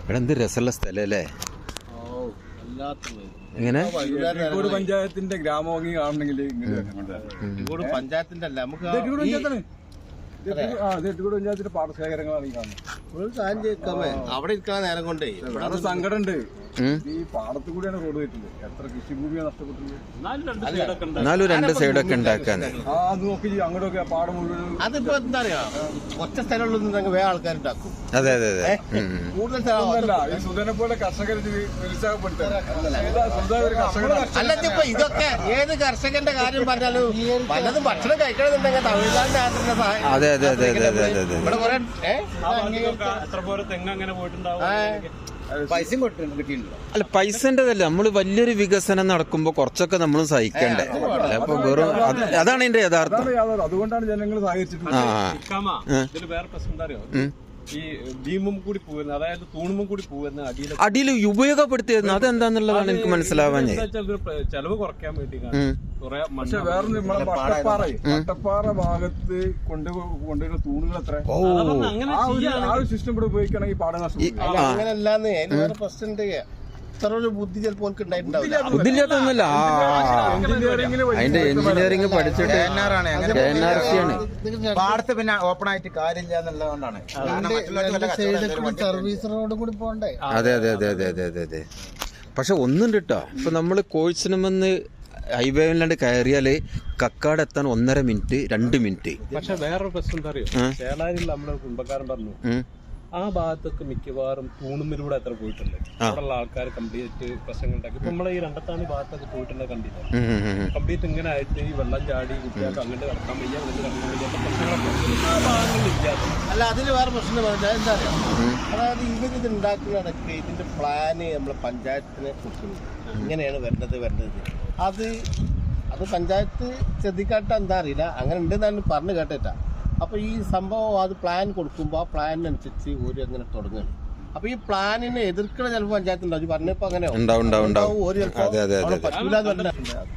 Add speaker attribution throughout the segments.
Speaker 1: ഇവിടെ എന്ത് രസമുള്ള സ്ഥലം അല്ലേ? എങ്ങനെ
Speaker 2: പഞ്ചായത്തിന്റെ ഗ്രാമഭംഗി കാണണമെങ്കിൽ
Speaker 3: പഞ്ചായത്തിന്റെ അല്ല നമുക്ക്
Speaker 2: പഞ്ചായത്തിന്റെ പാടശേഖരങ്ങളാണ് ഈ കാണുന്നത്.
Speaker 3: അവിടെ ഇരിക്കാൻ നേരം കൊണ്ടേ
Speaker 2: ഇവിടെ സങ്കടം ഉണ്ട്. ഈ പാടത്തു കൂടിയാണ് റോഡ് പോയിട്ടുണ്ട്. എത്ര കൃഷിഭൂമിയാണ് നഷ്ടപ്പെട്ടത്.
Speaker 1: എന്നാലും രണ്ട് സൈഡൊക്കെ ഉണ്ടാക്കാന്ന്.
Speaker 2: അത് നോക്കി അങ്ങോട്ടൊക്കെ പാടം മുഴുവൻ.
Speaker 3: അതിപ്പോ എന്താ പറയാ, ഒറ്റ സ്ഥലമുള്ള വേറെ ആൾക്കാരുണ്ടാക്കും.
Speaker 1: അതെ അതെ അതെ.
Speaker 3: കൂടുതൽ
Speaker 2: സ്ഥലമല്ല. ഈ സുധനെ പോലെ കർഷകർ നിരുത്സാഹപ്പെടുത്തുക.
Speaker 3: അല്ല, ഇപ്പൊ ഇതൊക്കെ ഏത് കർഷകന്റെ കാര്യം പറഞ്ഞാലും പലതും ഭക്ഷണം കഴിക്കണമെന്നുണ്ടെങ്കിൽ തമിഴ്നാടിന്റെ ആദ്യത്തെ സഹായം.
Speaker 1: അതെ അതെ അതെ അതെ അതെ അതെ.
Speaker 3: ഇവിടെ കുറെ
Speaker 2: പൈസയും കിട്ടിയിട്ടുണ്ട്.
Speaker 1: അല്ല, പൈസൻ്റെതല്ല. നമ്മള് വലിയൊരു വികസനം നടക്കുമ്പോ കുറച്ചൊക്കെ നമ്മളും സഹിക്കണ്ടേ? അപ്പൊ വെറും അതാണ് എന്റെ യഥാർത്ഥം.
Speaker 2: അതുകൊണ്ടാണ് ജനങ്ങൾ സഹകരിച്ചിട്ടുണ്ട്.
Speaker 4: വേറെ പ്രശ്നം എന്താ അറിയോ, ഈ ഭീമും കൂടി പോകുന്ന, അതായത് തൂണും കൂടി പോകുന്ന
Speaker 1: അടിയിൽ ഉപയോഗപ്പെടുത്തിയത് അതെന്താന്നുള്ളതാണ് എനിക്ക് മനസ്സിലാവാൻ.
Speaker 4: ചെലവ് കുറയ്ക്കാൻ വേണ്ടി
Speaker 2: പക്ഷെ വേറെ നമ്മളെ വട്ടപ്പാറ ഭാഗത്ത് കൊണ്ടുവരുന്ന തൂണുകൾ എത്ര ആ ഒരു സിസ്റ്റം കൂടെ ഉപയോഗിക്കണമെങ്കിൽ പാട നഷ്ടം.
Speaker 3: അങ്ങനല്ലാന്ന് വേറെ പ്രശ്നം ഉണ്ട്. ഇത്ര ബുദ്ധി ചിലപ്പോൾ ഉണ്ടായിട്ടുണ്ടാവില്ല.
Speaker 1: ബുദ്ധിയില്ലാത്തൊന്നുമില്ല. അതിന്റെ എഞ്ചിനീയറിംഗ് പഠിച്ചിട്ട്
Speaker 5: പാടത്ത് പിന്നെ ഓപ്പൺ ആയിട്ട് കാര്യമില്ല എന്നുള്ളതുകൊണ്ടാണ്.
Speaker 3: സർവീസ് റോഡ് കൂടി പോകണ്ടേ?
Speaker 1: അതെ അതെ അതെ അതെ അതെ അതെ അതെ. പക്ഷെ ഒന്നുണ്ട് കേട്ടോ. ഇപ്പൊ നമ്മള് കോഴിച്ചിനുമെന്ന് ഹൈവേയിലാണ്ട് കയറിയാല് കക്കാട് എത്താൻ 1.5 മിനിറ്റ് 2 മിനിറ്റ്.
Speaker 4: പക്ഷെ വേറൊരു പ്രശ്നം എന്താ അറിയോ, ചേളാരിൽ നമ്മുടെ കുടുംബക്കാരൻ പറഞ്ഞു ആ ഭാഗത്തൊക്കെ മിക്കവാറും തൂണുമ്മിലൂടെ എത്ര പോയിട്ടുണ്ട്. അവിടെയുള്ള ആൾക്കാർ കംപ്ലീറ്റ് പ്രശ്നങ്ങൾ ഉണ്ടാക്കി. ഇപ്പൊ നമ്മളെ ഈ രണ്ടത്താണി ഭാഗത്തൊക്കെ പോയിട്ടുണ്ട്, കണ്ടില്ല? കംപ്ലീറ്റ് ഇങ്ങനെ ആയിട്ട് ഈ വെള്ളം ചാടി കുട്ടികൾക്ക് അങ്ങോട്ട് കടക്കാൻ വയ്യ, അങ്ങോട്ട് കടക്കാൻ വയ്യാത്ത പ്രശ്നങ്ങളൊക്കെ ആ ഭാഗങ്ങളിൽ ഇല്ലാത്ത.
Speaker 3: അല്ല, അതിന് വേറെ പ്രശ്നം എന്താ അറിയാം, അതായത് ഇവരിത് ഉണ്ടാക്കുന്നതൊക്കെ ഇതിന്റെ പ്ലാന് നമ്മളെ പഞ്ചായത്തിനെ കൊടുക്കുന്നത്. ഇങ്ങനെയാണ് വരേണ്ടത്. അത് പഞ്ചായത്ത് ശ്രദ്ധിക്കാട്ട എന്താ അറിയില്ല, അങ്ങനെ ഉണ്ടെന്നാണ് പറഞ്ഞു കേട്ടിട്ടാ. അപ്പൊ ഈ സംഭവം അത് പ്ലാൻ കൊടുക്കുമ്പോൾ ആ പ്ലാനിനനുസരിച്ച് ഒരു അങ്ങനെ തുടങ്ങുകയാണ്. അപ്പൊ ഈ പ്ലാനിനെ എതിർക്കണ ചിലപ്പോൾ പഞ്ചായത്ത് ഉണ്ടാവും. പറഞ്ഞപ്പോ അങ്ങനെ ഒരു ചിലപ്പോൾ പറ്റൂല.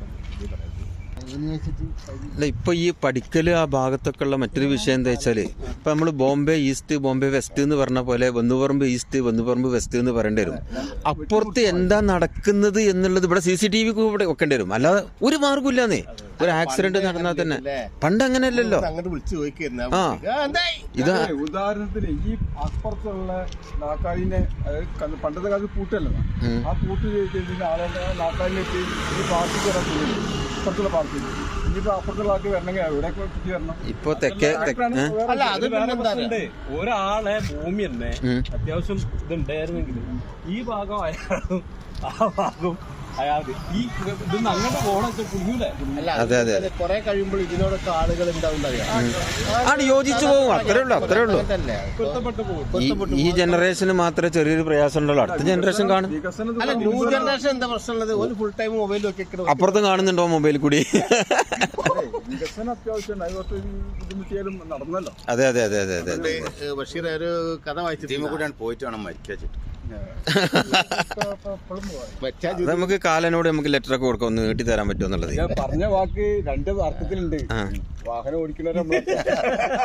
Speaker 1: അല്ല, ഇപ്പൊ ഈ പഠിക്കല് ആ ഭാഗത്തൊക്കെ ഉള്ള മറ്റൊരു വിഷയം എന്താ വെച്ചാല്, ഇപ്പൊ നമ്മള് ബോംബെ ഈസ്റ്റ് ബോംബെ വെസ്റ്റ് എന്ന് പറഞ്ഞ പോലെ വന്നുപറമ്പ് ഈസ്റ്റ് വന്നുപറമ്പ് വെസ്റ്റ് എന്ന് പറയേണ്ടി വരും. അപ്പുറത്ത് എന്താ നടക്കുന്നത് എന്നുള്ളത് ഇവിടെ CCTV ഇവിടെ വെക്കേണ്ടി വരും. അല്ലാതെ ഒരു മാർഗമില്ലാന്നേ. ഒരു ആക്സിഡന്റ് നടന്നാൽ തന്നെ പണ്ട് അങ്ങനെയല്ലല്ലോ. ആ, ഇതാ
Speaker 2: ഉദാഹരണത്തിന് ഈ അപ്പുറത്തുള്ള നാക്കാലിനെ പണ്ടത്തെ കാലത്ത് പൂട്ടല്ലോ, ആ പൂട്ട് ആളുകളുടെ നാക്കാലിലേക്ക് ഈ പാർട്ടിക്ക് അപ്പുറത്തുള്ള പാർട്ടി ഇനിയിപ്പോ അപ്പുറത്തുള്ള ആൾക്ക് വരണമെങ്കിൽ എവിടെ ചുറ്റി വരണം.
Speaker 1: ഇപ്പൊ തെക്കേ
Speaker 4: ഒരാളെ ഭൂമി തന്നെ അത്യാവശ്യം ഇതുണ്ടായിരുന്നെങ്കിൽ ഈ ഭാഗം അയാളും ആ ഭാഗവും അയാൾക്ക് ഈ ഇതൊന്നും അങ്ങോട്ട് പോകണൊക്കെ കുഞ്ഞൂലേ.
Speaker 3: കുറെ കഴിയുമ്പോൾ ഇതിനോടൊക്കെ ആളുകൾ
Speaker 1: ആണ് യോജിച്ചു പോകും. അത്രേ ഉള്ളൂ. ഈ ജനറേഷന് മാത്രമേ ചെറിയൊരു പ്രയാസം ഉണ്ടല്ലോ. അടുത്ത ജനറേഷൻ കാണും.
Speaker 3: ന്യൂ ജനറേഷൻ എന്താ പ്രശ്നമുള്ളത്, ഒരു ഫുൾ ടൈം മൊബൈൽ നോക്കി
Speaker 1: അപ്പുറത്തും കാണുന്നുണ്ടോ മൊബൈൽ കൂടി?
Speaker 2: വികസനം അത്യാവശ്യം ബുദ്ധിമുട്ടിയാലും നടന്നല്ലോ.
Speaker 1: അതെ അതെ അതെ അതെ അതെ.
Speaker 3: ബഷീർ ഒരു കഥ വായിച്ചിട്ട്
Speaker 5: പോയിട്ട് വേണം മരിക്കാച്ചിട്ട്.
Speaker 1: നമുക്ക് കാലനോട് നമുക്ക് ലെറ്റർ ഒക്കെ കൊടുക്കാം, ഒന്ന് നീട്ടി തരാൻ പറ്റുമോ എന്നുള്ളത്.
Speaker 2: പറഞ്ഞ വാക്ക് 2 അർത്ഥത്തിലുണ്ട്. വാഹനം ഓടിക്കുന്നവരെ